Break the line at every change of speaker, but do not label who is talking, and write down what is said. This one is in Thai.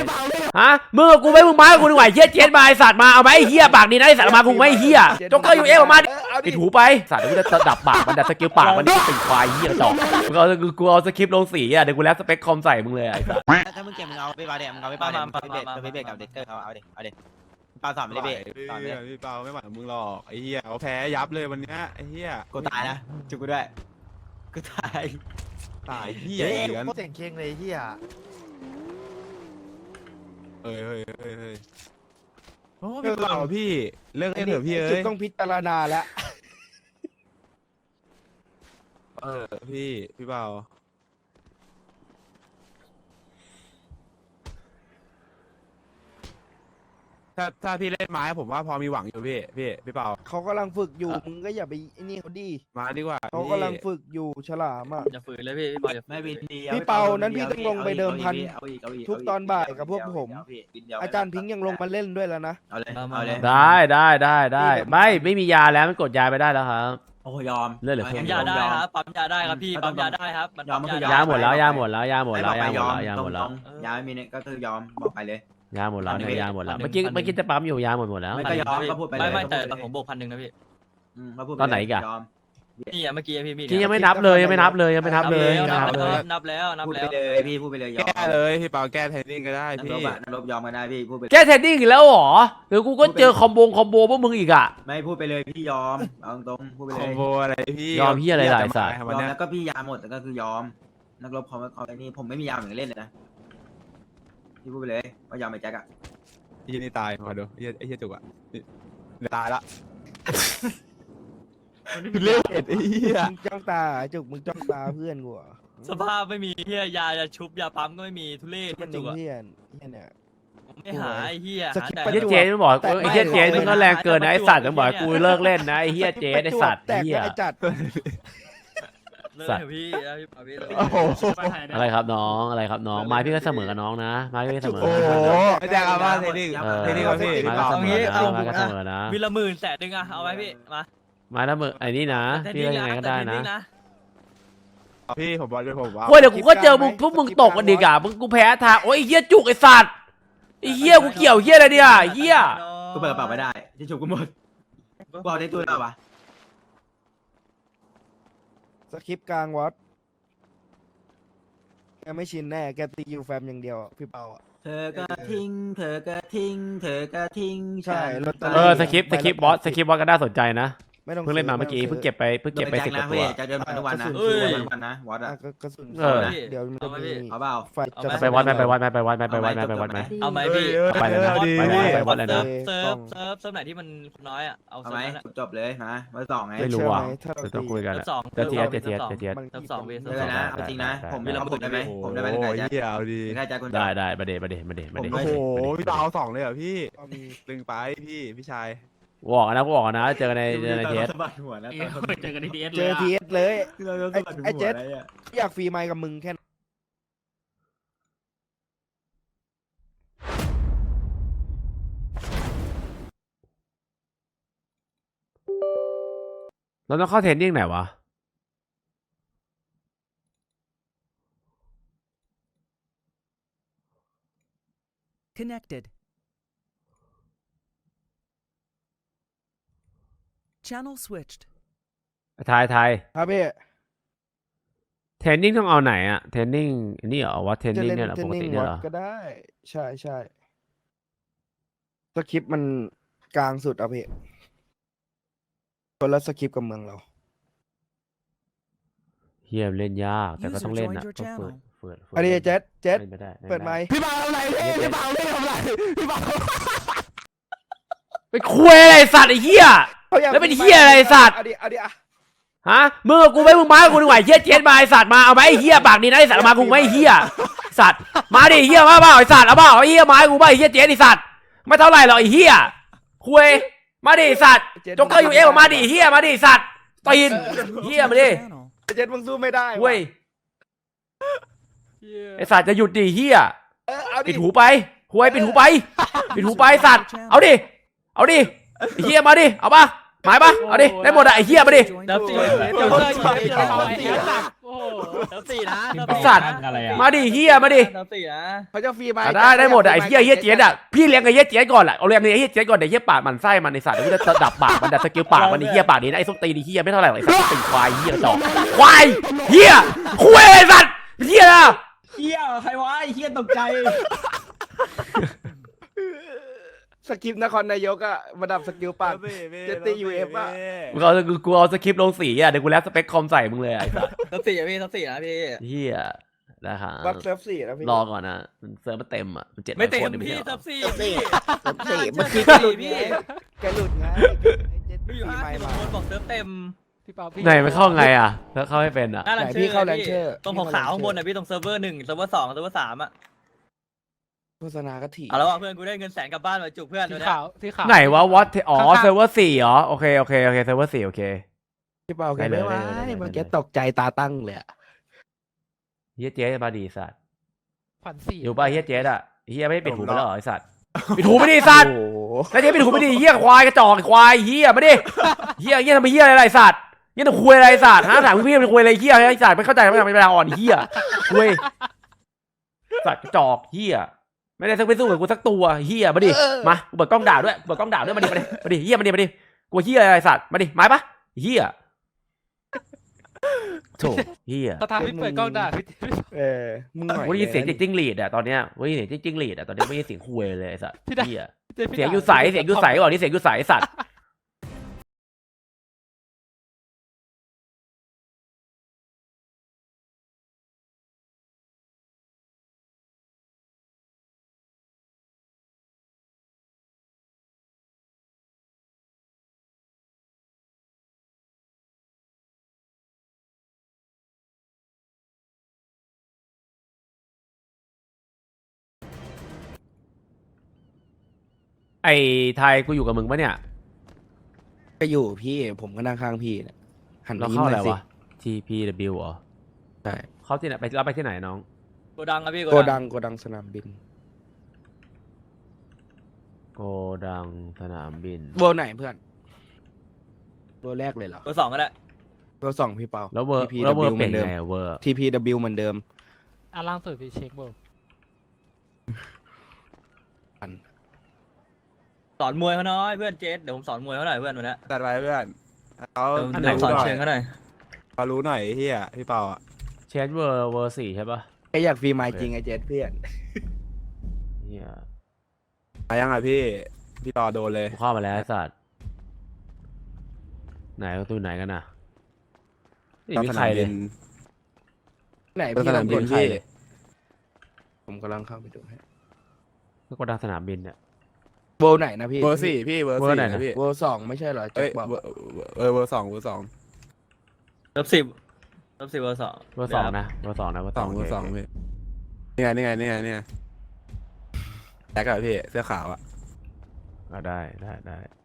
ฮะมึงกับกูไม่มึงมากูดีกว่าเฮียเจ็ดมาไอสัตว์มาเอาไหมเฮียปากดีนะไอสัตว์มากูไม่เฮียจ็อกเกอร์อยู่เอฟมาปิดหูไปสัตว์เดี๋ยวกูจะดับปากมันดับสกิลปากมันเป็นควายเฮียจอกกูเอาสคริปต์ลงสีอ่ะเดี๋ยวกูแล้วสเปคคอมใส่มึงเลยไอสัตว์
ถ้ามึงเก็บมึงเอาไปบาเดมึงเอาไปบาเดมึงไปเบรกกับเด็กเกอร์เอาเด็กปาสอนไม่ได้เบรกสอนไม่ได้
พี่เปาไม่หวังมึงหรอกไอ้เหี้ยเขาแพ้ยับเลยวันนี้ไอ้เหี้ย
กูตายนะจุกกูด้วยกูตาย
เหี้ยเหลือ
เสียงเค้งเลยเฮีย
เฮ้ยพี่เปาพี่เลิกเล่นเถอะพี่เอ้ย
ต้องพิจารณาแล้ว
พี่เปาถ้าพี่เล่นไม้ผมว่าพอมีหวังอยู่พี่เปา
เขากำลังฝึกอยู่มึงก็อย่าไปไอ้นี่เขาดี
มาดีกว่า
เขากำลังฝึกอยู่ฉลามอ่ะ
อย่าฝืนเลยพี่เปาอย่าไม่บินดี
พี่เปานั้นพี่ต้องลงไปเดิมพันทุกตอนบ่ายกับพวกผมอาจารย์พิงค์ยังลงมาเล่นด้วยแล้วนะ
เอาเลย
ได้ไม่มียาแล้วมันกดยาไปได้แล้วครับ
โอ้ยอม
เลือดเหลือเพิ่ม
ยาได้ครับปั๊มยาได้ครับพี่ปั๊มยาได้ครับ
ยาหมดแล้วยาหมดแล้ว
ยาไม่มีเนี่ยก็คือยอมบอกไปเลย
ยาหมดแล้วเนี่ยยาหมดแล้วเมื่อกี้จะปั๊มอยู่ยาหมดแล้ว
ไม่ก็ยอมก็พูดไปเลย
ไม่แต่ผมบวก1,000นะพี่
ตอนไหนกัน
นี่เมื่อกี้พี่
ที่ยังไม่นับเลยยังไม่นับเลย
นับแล้ว
พูดไปเลยพี่พูดไปเลย
แก้เลยพี่เปาแก้เทรนนิ่งก็ได้พี่
นักลบยอมก็ได้พี่พูดไป
แก้เทรนนิ่งอีกแล้วหรอเดี๋ยวกูก็เจอคอมโบพวกมึงอีกอ่ะ
ไม่พูดไปเลยพี่ยอมเอาตรงพูดไปเลย
คอมโบอะไรพี่
ยอมพี่อะไรหลายสาย
ยอมแล้วก็พี่ยาหมดแต่ก็คือยอมนักลบเขาไอ้นี่ผมไม่มียาเหมือนเล่นเลยนะพี่พูดไปเลยว่ายอมไอ้แจ็คอะ
ไอ้เหี้ยนี่ตายมาดูไอ้เหี้ยจุกอะตายละเล่นไอ้เหี้ย
มึงจ้องตาจุกมึงจ้องตาเพื่อนกูอ่ะ
สภาพไม่มีเฮียยาชุบยาปั๊มก็ไม่มีทุเรศ
จุกเฮียเนี่ย
ไม่หาไอ้เฮีย
ไอ้เจ๊มันบอกไอ้เจ๊มันก็แรงเกินนะไอ้สัตว์มันบอกกูเลิกเล่นนะไอ้เฮียเจ๊ไอ้สัตว์เฮีย
จัด
สัตว์พี่
อะไรครับน้องไม้พี่ก็เสมอกับน้องนะไม้พี่เสมอ
โอ้โหไม่แจ้งว่าเทนนิ่งครับพี่
ไม้ก็เสมอนะ
มีละ10,000อะเอาไว้พี่มา
ไม้ละ10,000ไอ้นี่นะพี่ยังไงก็ได้นะ
พี่ผมบอกเลยผมว่า
เดี๋ยวกูก็เจอพวกมึงตกกันดีกว่ามึงกูแพ้ทางโอ้ยเฮียจุกไอ้สัตว์ไอ้เฮียกูเกี่ยวเฮียอะไรเนี่ยเฮีย
กูเปิดกระเป๋าไม่ได้ที่ฉุกกูหมดกูเอาในตู้แล้วปะ
สคริปต์กลางวัดแกไม่ชินแน่แกตียูแฟมอย่างเดียวพี่เปาอ่ะ
เธอก็ทิ้ง
ใช่
สคริปต์บอสก็น่าสนใจนะเพิ่งเล่นมาเมื่อกี้เพิ่งเก็บไป10 ตัว
จะเดินผ่านทุกวันนะวัดอะ
กระสุนเดี๋ยวมันจะมี
เอาเปล่า
ไปวัดไหม
เอาไหมพี่
ไปเลยนะไปวัดเลยนะ
เซิร์ฟไหนที่มันน้อยอ่ะเอา
ไหมจบเลยนะมา2ไง
ไม่รู้อ่ะต้องคุยกันจะเทีย
2เวส
เลยนะจริงนะผมมีระบบได้ไหมผมได้ไหมไก่จ้า
ได้มาเด
โอ้โหพี่เปา2เลยเหรอพี่ตึงไปพี่ชาย
บอกนะเจอกันในเทส
เจอกันในเทส
เลยไอ้เจ็ดอยากฟรีไมค์กับมึงแค่
เราต้องเข้าเทรนนิ่งไหนวะ
Connected Channel switched
ไทย
ครับพี่
เทรนนิ่งต้องเอาไหนอะเทรนนิ่งนี่เหรอว่าเทรนนิ่งเนี่ยเหรอปกติเนี่ยเหรอ
ก็ได้ใช่สคริปต์มันกลางสุดอ่ะพี่คนละสคริปต์กับเมืองเรา
เฮียเล่นยากแต่ก็ต้องเล่นนะต้องเปิด
อันนี้เจ็ดเปิดไมค์
พี่เปาอะไรพี่เปาเล่นทำไรพี่เปา
ไปคุยอะไรสัตว์ไอ้เหี้ยแล้วเป็นเหี้ยอะไรสัตว์ฮะมึงกับกูไม่มึงมากูดีกว่าเหี้ยเจ็ดมาไอสัตว์มาเอาไหมไอ้เหี้ยปากดีนะไอสัตว์มากูไม่เหี้ยสัตว์มาดิเหี้ยมาเปล่าไอสัตว์เอาเปล่าไอ้เหี้ยมากูไม่ไอ้เหี้ยเจ็ดไอสัตว์ไม่เท่าไหร่หรอกไอ้เหี้ยคุยมาดิสัตว์จ็อกเกอร์อยู่เอฟมาดิเหี้ยมาดิสัตว์ตีนเหี้ยมาดิ
เจ็ดมึงสู้ไม่ได้
เว้ยไอสัตว์จะหยุดดิเหี้ยปิดหูไปคุยปิดหูไปสัตว์เอาดิเฮียมาดิเอาปะหมายปะเอาดิได้หมดอะไอ้เหี้ยมาดิ
Joined
เติม
the
สี่
channel.
เติมสี่นะ
สัตว์มาดิเหี้ยมาดิ
เติมสี่นะ
เขาจะฟรีไหม
ได้หมดอะไอ้เหี้ยเจี๊ยดอะพี่เลี้ยงไอ้เหี้ยเจี๊ยดก่อนแหละเอาเลี้ยงไอ้เหี้ยเจี๊ยดก่อนเดี๋ยวเหี้ยปากมันไส้มันในสัตว์เดี๋ยวจะดับปากมันดับสกิลปากมันไอ้เหี้ยปากนี้นะไอ้ส้มตีนไอ้เหี้ยไม่เท่าไหร่หรอกไอ้สัตว์ตีควายเหี้ยกระจอกควายเหี้ยคุยไอ้สัตว์เหี้ยนะ
เฮียใครวะไอ้เฮียตกใจ
สกิปนครนายกอะมาดับสกิลปาก เจตตี้ UF อะ
กูเอาสคริปต์ลงสีอะเดี๋ยวกูแล้วสเปคคอมใส่มึงเลยไอ้สัตว์
เติมสี่อะพี่เติมสี่นะพี่
เหี้ยนะครับ
วัดเซิร์ฟ4นะพี่
รอก่อนนะมันเซิร์ฟมันเต็มอะมัน700
ไม่เต็ม
คนนี่
พี่
ใช่หร
เติ
อ
มสี่
เติมสี่
พี่
เซิร์ฟ4เมื่อกี้ก็หลุดไง
พี่
แกหลุดไงเจ็ต
มี
ตี้
อยู่
ไม่
50
มา
คนบอกเติมเต็ม
ไหนมันเข้าไงอะแล้วเข้าไม่เป็นอะ
หน้า
ไหน
ลันเชอร์
พี่เข้า
พี่
Rancher
ตรงขาวๆข้างบนน่ะพี่ตรงเซิร์ฟเวอร์1เซิร์ฟเวอร์2เซิร์ฟเวอร์3อะ
โฆษณาก็ถี่
เอาแล้วว่ะเพื่อนกูได้เงินแสนกลับบ้านมาจุกเพื่อน
สี
เดี๋ยว
ขาวสีขาว
ไหนวะวอตอ๋อ
ข้างๆ
เซิร์ฟเวอร์4เหรอโอเคเซิร์ฟเวอร์4โอเค
พี่เปาแก
ได้เลย
ไม่ไหว
ได้เลย
เมื่อกี้ตกใจตาตั้งเลยอะ
เฮียเจ๊มาดีสัตว์
ขวัญสี่
อยู่ป่ะเฮียเจ๊อะเฮียไม่ได้ปิดหูไปแล้วเหรอไอ้สัตว์ปิดหูไม่ดีสัตว์
โอ้โห
แล้วเจ๊ปิดหูไม่ดีเฮียควายกระจอกควายเฮียมาดิเฮียทำไมเฮียอะไรสัตว์เฮียต้องคุยอะไรสัตว์ฮะถามพี่มันคุยอะไรเฮียไอ้สัตว์ไม่เข้าใจไม่เป็นเวลาอ่อนเฮียคุยสัตว์กระจอกเฮียไม่ได้สักไปสู้กับกูสักตัวเฮียมาดิมาเปิดกล้องด่าด้วยเปิดกล้องด่าด้วยมาดิเฮียมาดิกูเฮียอะไรสัตว์มาดิไม้ปะเฮียโถเฮีย
สถานที่เปิดกล้องด่าพี่
มึงหน่อย
วันนี้เสียงจากจิ้งหรีดอะตอนเนี้ยวันนี้เสียงจากจิ้งหรีดอะตอนนี้ไม่ใช่เสียงคุยเลยไอ้สัตว์เหี้ยเสียงอยู่ใสก่อนนี่เสียงอยู่ใสไอ้สัตว์ไอ้ไทยกูอยู่กับมึงปะเนี่ย
ก็อยู่พี่ผมก็นั่งข้างพี่เนี่ยหัน
เรา
ยิ้ม
เข้า
ห
อะไร
น่อยสิ
วะ TPW เหรอ
ใช่
เข้าที่ไหนไปเราไปที่ไหนน้อง
โกดังอะพี่
โกดังสนามบิน
โกดังสนามบิน
โบไหนเพื่อนโบแรกเลยเหรอ
เบอร์2ก็ได้
โบ2พี่เปา
แล้วเวอร์
TPW
แล้วเวอร์
เห
เป็
มื
น
อนเดิม
ไงเวอร์
TPW เหมือนเดิม
อ่ะล่างสุดพี่เช็คเบิร์
สอนมวยเขาหน่อยเพื่อนเจสเดี๋ยวผมสอนมวยเขาหน่อยเพื่อนวันนี้
ตัดไว้เพื่อนเขา
เดี๋ยวผมสอนเชิงเขาหน่อย
เขารู้หน่อยไอ้เฮียพี่เปาอ่ะ
เชนเวอร์4ใช่ปะ
แกอยากฟรีไมล์จริงไอ้เจสเพื่อน
เฮีย
มายังไงพี่ต่อโดนเลย
กูเข้ามาแล้วไอ้สัตว์ไหนประตูไหนกันน่ะไม่มีใครเลย
ไหน
ส
พี่
นาม
ลอง
บิ
ก
น
ด
พี่
ผมกำลังเข้าไปดูให้
ก็โกดังสนามบินเนี่ย
โบไหนนะพี่
เบอร์สี่พี่เบอร์
เบอร์
สี่
ไหน
นะ
นะ
พี่
โบ2ไม่ใช่เหรอแจ็
เอ้
ค
ย
บอก
เบอร์เบอร์สองเบอร์สอง
เบอร์10เบอร์10เบอร์2
เบอร์ 2นะเบอร์ 2นะเบอร์
สอง
2
เบอร์สองพี่นี่ไงแจ็คอะพี่เสื้อขาวอะ
ได้